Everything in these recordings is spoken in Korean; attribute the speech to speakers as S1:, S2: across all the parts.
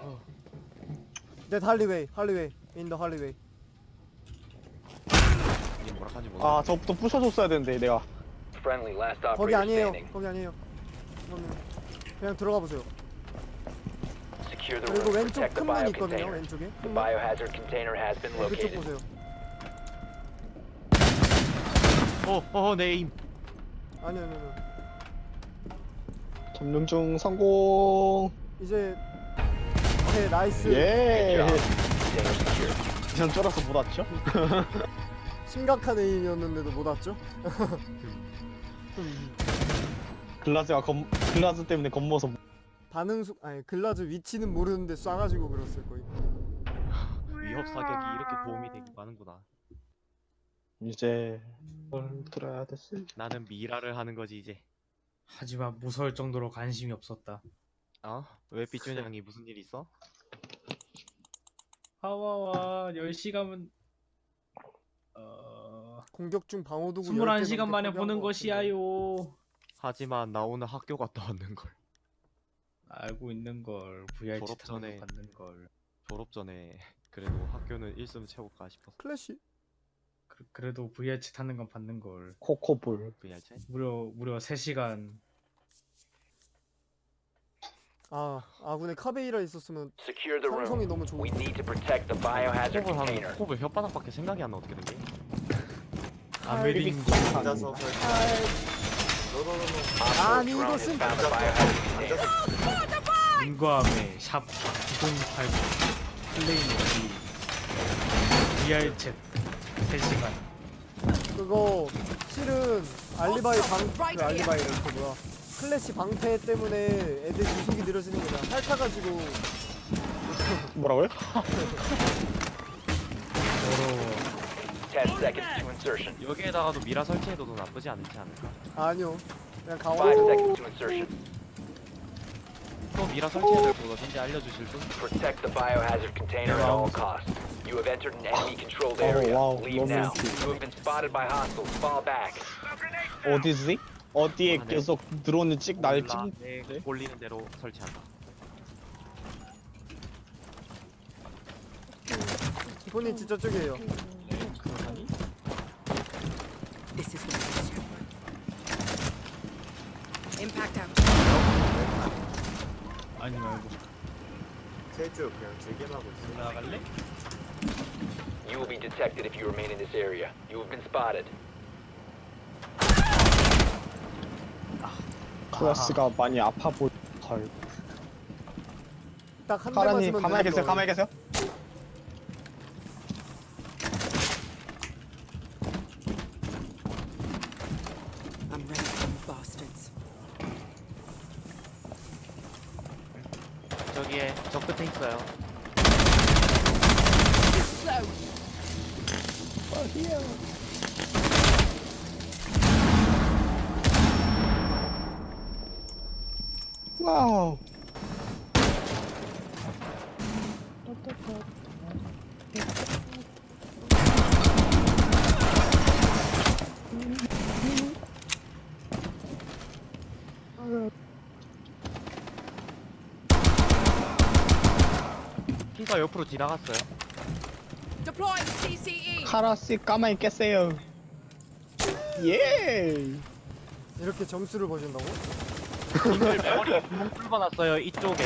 S1: That hallway, hallway, in the hallway.
S2: 이게 뭐라 하는지 모르겠네.
S3: 아 저부터 부셔줬어야 되는데 내가.
S4: Friendly last
S1: 거기
S4: operator
S1: 아니에요.
S4: standing.
S1: 거기 아니에요. 그냥 들어가 보세요.
S4: Secure the
S1: 그리고
S4: room.
S1: 왼쪽
S4: Protect the
S1: 큰 문 있거든요.
S4: biocontainer.
S1: 왼쪽에.
S4: The biohazard container has been
S1: 그쪽
S4: located.
S1: 보세요.
S2: 내 에임.
S1: 아니요.
S3: 점령 중 성공.
S1: 이제 오케이 나이스.
S3: 예.
S4: Good job. Container secured.
S3: 그냥 쫄아서 못 왔죠?
S1: 심각한 에임이었는데도 못 왔죠?
S3: 글라즈 때문에 겁먹어서
S1: 글라즈 위치는 모르는데 쏴가지고 그랬을 거예요.
S2: 위협 사격이 이렇게 도움이 되고 가는구나.
S3: 이제 뭘 들어야 됐을.
S2: 나는 미라를 하는 거지 이제.
S5: 하지만 무서울 정도로 관심이 없었다.
S2: 왜 삐쭈냥이 무슨 일 있어?
S5: 하와와 10시간은
S1: 공격 중 방어 도구
S5: 21시간 만에 보는 것이야요.
S2: 하지만 나 오늘 학교 갔다 왔는 걸.
S5: 알고 있는 걸 VRC
S2: 졸업 전에.
S5: 받는 걸.
S2: 졸업 전에 그래도 학교는 1승 채울까 싶었어.
S1: 클래시.
S5: 그래도 VRC 타는 건 받는 걸.
S3: 코코볼.
S2: VRC?
S5: 무려 3시간.
S1: 아군에 카베이라 있었으면
S4: Secure the
S1: 상성이
S4: room.
S1: 너무 좋은.
S4: We need to protect the biohazard
S2: 홉을
S4: container.
S2: 하면 홉을 혓바닥밖에 생각이 안 나 어떻게 된 게?
S5: 아메린고
S6: 앉아서
S4: Op 4
S1: 아니,
S4: drone has
S1: 이것은-
S4: found the biohazard container.
S5: 인과함의 샵 9089 플레이노 VR챗 3시간.
S1: 그거 실은 알리바이를 클래시 방패 때문에 애들 유속이 느려지는 거잖아. 핥아가지고
S3: 뭐라고요?
S5: 더러워.
S4: 10 seconds to insertion.
S2: 여기에다가도 미라 설치해둬도 나쁘지 않지 않을까?
S1: 아니요. 그냥
S4: 5
S1: 강화.
S4: seconds to insertion.
S2: 또 미라 설치해둘 거 어딘지 알려주실 분?
S4: Protect the biohazard container at all costs. You have entered an enemy-controlled area.
S3: wow,
S4: Leave now.
S3: romantic.
S4: You have been spotted by hostiles. Fall back.
S3: 어디지? 어디에
S2: 네.
S3: 계속 드론을 날
S2: 몰라,
S3: 찍.
S2: 내 꼴리는 대로 설치한다.
S1: 본인 진짜 쪽이에요.
S2: 그러니?
S7: This is what it is. Impact out.
S5: 아니 말고
S6: 제주 그냥 즐겨하고 있어.
S2: 나갈래?
S4: You will be detected if you remain in this area. You have been spotted.
S3: 클래스가 많이 아파 보일.
S1: 딱 한 대
S3: 카라님
S1: 맞으면
S3: 가만히
S1: 되는
S3: 계세요.
S1: 거.
S3: 가만히 계세요.
S7: I'm ready for you bastards.
S2: 저기에 저 끝에 있어요.
S3: 와우.
S2: 키가 옆으로 지나갔어요.
S7: Deploying CCE.
S3: 카라씨 가만히 계세요. 예.
S1: 이렇게 점수를 보신다고?
S2: 님들 머리 구멍 뚫어놨어요 이쪽에.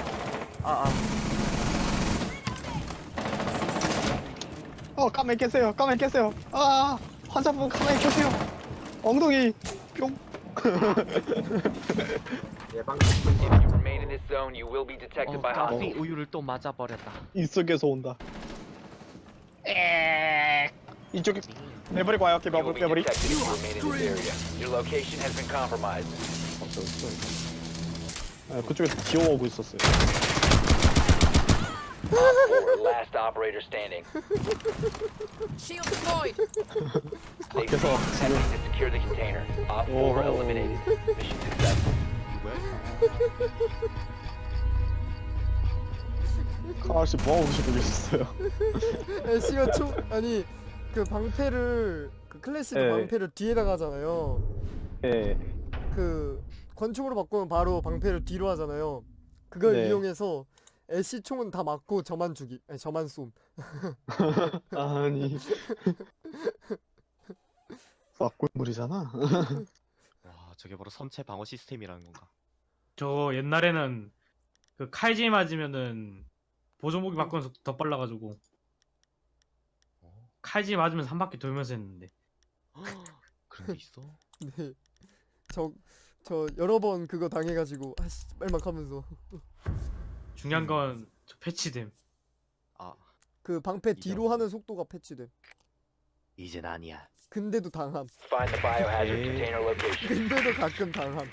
S3: 가만히 계세요. 가만히 계세요. 환자분 가만히 계세요. 엉덩이 뿅.
S6: 예방
S4: If you remain in this zone, you will be detected by
S2: 가스
S4: hostiles.
S2: 우유를 또 맞아버렸다.
S3: 이쪽에서 온다. 이쪽에 내버리고 와요.
S4: You will be
S3: 내버리.
S4: detected if you remain in this area. Your location has been compromised.
S3: 그쪽에서 기어오고 있었어요.
S4: Op 4, last operator standing.
S7: Shield deployed.
S4: Stay
S3: 밖에서
S4: safe, attempting to secure the container. Op 4 eliminated. Mission successful.
S3: 카라씨 뭐하고 계셨어요?
S1: 애쉬가 아니 그 방패를 그 클래시드
S3: 네.
S1: 방패를 뒤에다 가잖아요.
S3: 예.
S1: 그 권총으로 바꾸면 바로 방패를 뒤로 하잖아요. 그걸
S3: 네.
S1: 이용해서 애쉬 총은 다 맞고 저만 죽이. 아니, 저만 쏨.
S3: 아니. 왁골물이잖아.
S2: 와 저게 바로 선체 방어 시스템이라는 건가?
S5: 저 옛날에는 그 칼질 맞으면은 보조무기 바꾸면서 더 빨라가지고 칼질 맞으면서 한 바퀴 돌면서 했는데.
S2: 그런 게 있어?
S1: 네. 저 여러 번 그거 당해가지고 아씨 빨막 하면서
S5: 중요한 건 저 패치됨.
S2: 아
S1: 그 방패
S2: 이제
S1: 뒤로 하는 속도가 패치돼.
S2: 이젠 아니야.
S1: 근데도 당함.
S4: Find the biohazard
S2: Okay.
S4: container location.
S1: 근데도 가끔 당함.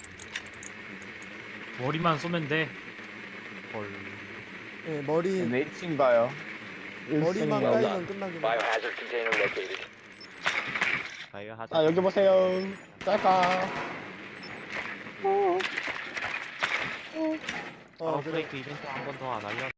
S5: 머리만 쏘면 돼.
S2: 헐.
S1: 예, 머리
S3: 네이팅 봐요.
S1: 머리만
S3: 일생이야.
S1: 까이면 끝나긴 해.
S4: Biohazard container located.
S2: 아이고 하자.
S3: 아 여기 보세요. 짤까.
S1: 어,
S2: 브레이크 이벤트 한 번 더 안 알려.